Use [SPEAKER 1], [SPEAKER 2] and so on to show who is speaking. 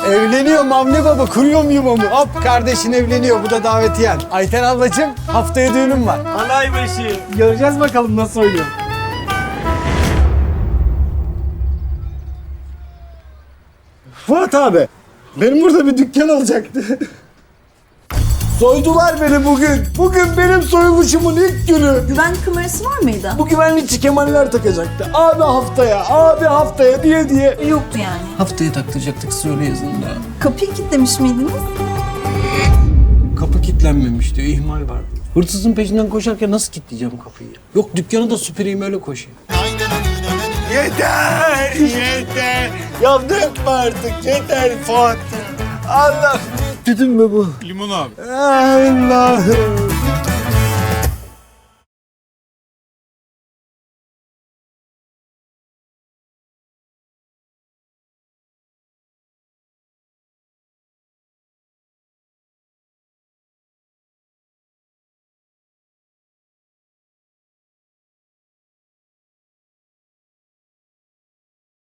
[SPEAKER 1] Evleniyor Avni Baba, kuruyor mu yuvamı? Hop kardeşin evleniyor, bu da davetiyen. Ayten ablacığım, haftaya düğünüm var.
[SPEAKER 2] Anaybaşı.
[SPEAKER 1] Göreceğiz bakalım nasıl oynuyor. Fuat abi, benim burada bir dükkan olacaktı. Soydular beni bugün. Bugün benim soyuluşumun ilk günü.
[SPEAKER 3] Güvenlik kamerası var mıydı?
[SPEAKER 1] Bu güvenlikçi kemaller takacaktı. Abi haftaya, abi haftaya diye.
[SPEAKER 3] Yoktu yani.
[SPEAKER 1] Haftaya taktıracaktık, söyle yazında.
[SPEAKER 3] Kapıyı kilitlemiş miydiniz?
[SPEAKER 1] Kapı kilitlenmemiş diyor, ihmal var. Hırsızın peşinden koşarken nasıl kilitleyeceğim kapıyı? Yok dükkanı da süpüreyim öyle koşayım. Yeter, yeter. Ya dökme artık, yeter Fuat. Allah. Tütün mü bu?
[SPEAKER 4] Limon abi.
[SPEAKER 1] Allah'ım.